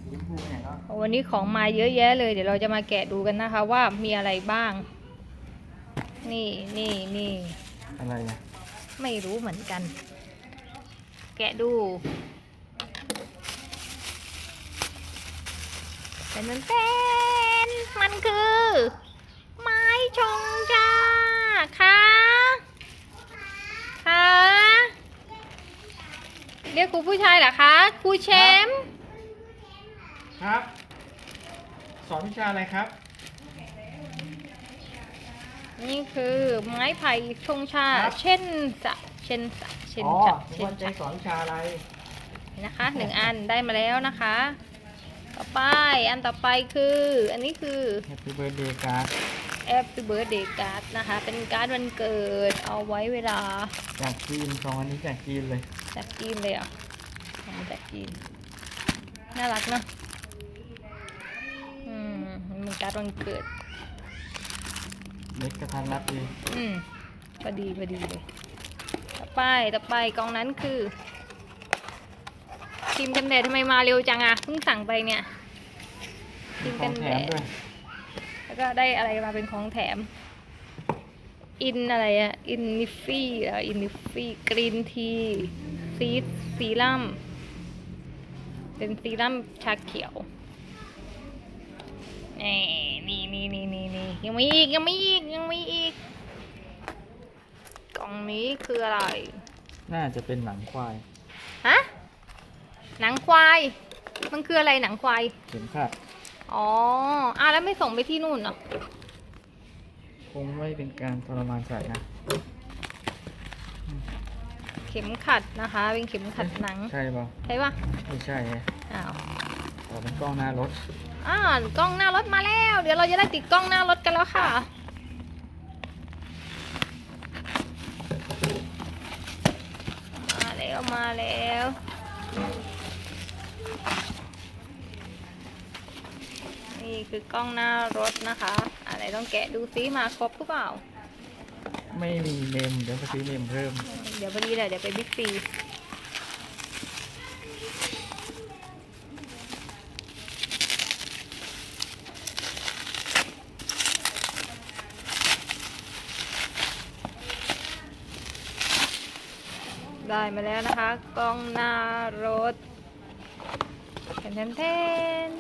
วันนี้ของมาเยอะแยะเลยเดี๋ยวเราจะมาแกะดูกันนะคะว่ามีอะไรบ้าง นี่อะไรนะไม่รู้เหมือนกัน แกะดูเป็นมันคือไม้ชงชาค่ะเรียกครูผู้ชายเหรอคะครูแชมป์ครับ สอนวิชาอะไรครับนี่คือไม้ไผ่ชงชาเช่นจะสอนวิชาอะไรนะคะ1 อันได้มาแล้วนะคะ ต่อไปอันต่อไปคืออันนี้คือ Happy Birthday Card Happy Birthday Card นะคะเป็นการ์ดวันเกิดเอาไว้เวลาจากจีนของอันนี้จากจีนเลยอ่ะมาจากจีนน่ารักเนาะมันการ์ดวันเกิดเล็กกระทันรัดดีพอดีเลยต่อไปกล่องนั้นคือครีมกันแดดทำไมมาเร็วจังอ่ะเพิ่งสั่งไปเนี่ยครีมกันแดดแล้วก็ได้อะไรมาเป็นของแถมอะไรอะอินนิฟฟี่กรีนทีซีรั่มเป็นซีรั่มชาเขียวนี่ยังมีอีกกล่องนี้คืออะไรน่าจะเป็นหนังควายฮะหนังควายมันคืออะไรหนังควายเข็มขัดแล้วไม่ส่งไปที่นู่นเหรอคงไม่เป็นการทรมานสัตว์นะเข็มขัดนะคะเป็นเข็มขัดหนังใช่ป่ะไม่ใช่เป็นกล้องหน้ารถกล้องหน้ารถมาแล้วเดี๋ยวเราจะได้ติดกล้องหน้ารถกันแล้วค่ะมาแล้วนี่คือกล้องหน้ารถนะคะอะไรต้องแกะดูซิมาครบหรือเปล่าไม่มีเมมเดี๋ยวไปซื้อเมมเพิ่มเดี๋ยวพอดีเลยเดี๋ยวไปบิ๊กซีได้มาแล้วนะคะกล้องหน้ารถแทน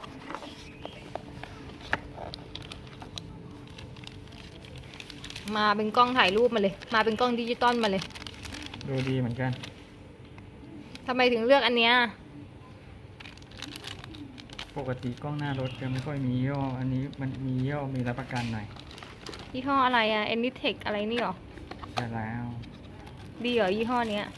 มาเป็นกล้องถ่ายรูปมาเลยมาเป็นกล้องดิจิตอลมาเลยดูดีเหมือนกันทำไมถึงเลือกอันเนี้ยปกติกล้องหน้ารถจะไม่ค่อยมียี่ห้ออันนี้มันมียี่ห้อมีรับประกันหน่อยยี่ห้ออะไรอะ Anytech อะไรนี่หรอใช่แล้วดีเหรอยี่ห้อเนี้ย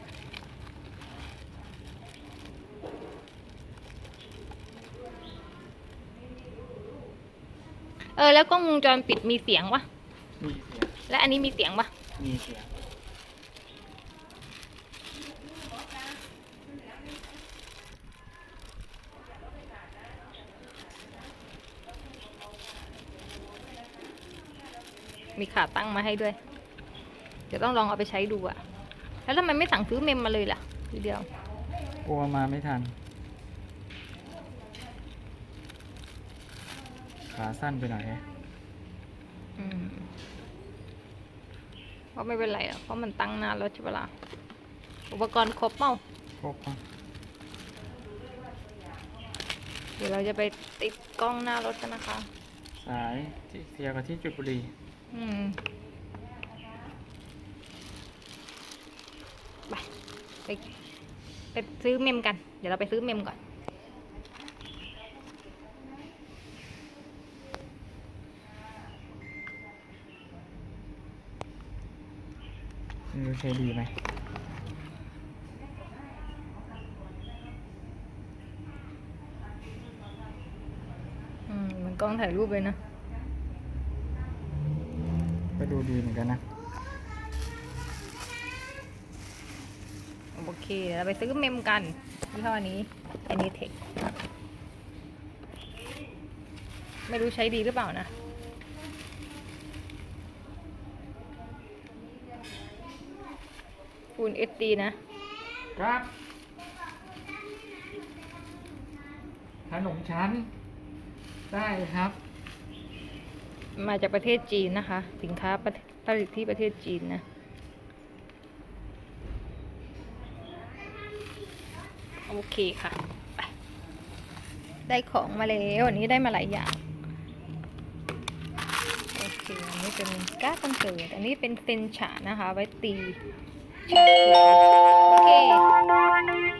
แล้วกล้องวงจรปิดมีเสียงวะมีเสียงและอันนี้มีเสียงปะมีเสียงมีขาตั้งมาให้ด้วยเดี๋ยวต้องลองเอาไปใช้ดูอะแล้วทำไมไม่สั่งซื้อเมมมาเลยล่ะทีเดียวกลัวมาไม่ทันขาสั้นไปหน่อยก็ไม่เป็นไรเพราะมันตั้งนานแล้วใช่ปะล่ะอุปกรณ์ครบเปล่าครบเดี๋ยวเราจะไปติดกล้องหน้ารถกันนะคะสายที่เสียกับที่จุดบุรีไปซื้อเมมกันเดี๋ยวเราไปซื้อเมมก่อนใช้ดีไหมมันกล้องถ่ายรูปเลยนะก็ดูดีเหมือนกันนะโอเคเดี๋ยวเราไปซื้อเมมกันยี่ห้อนี้ Anytech ไม่รู้ใช้ดีหรือเปล่านะFull HD นะครับขนมชั้นได้ครับมาจากประเทศจีนนะคะ สินค้าผลิตที่ประเทศจีนนะ โอเคค่ะไปได้ของมาแล้ววันนี้ได้มาหลายอย่าง โอเค อันนี้เป็นการ์ดวันเกิดอันนี้เป็นเซนฉานะคะ ไว้ตีฉาเขียวโอเค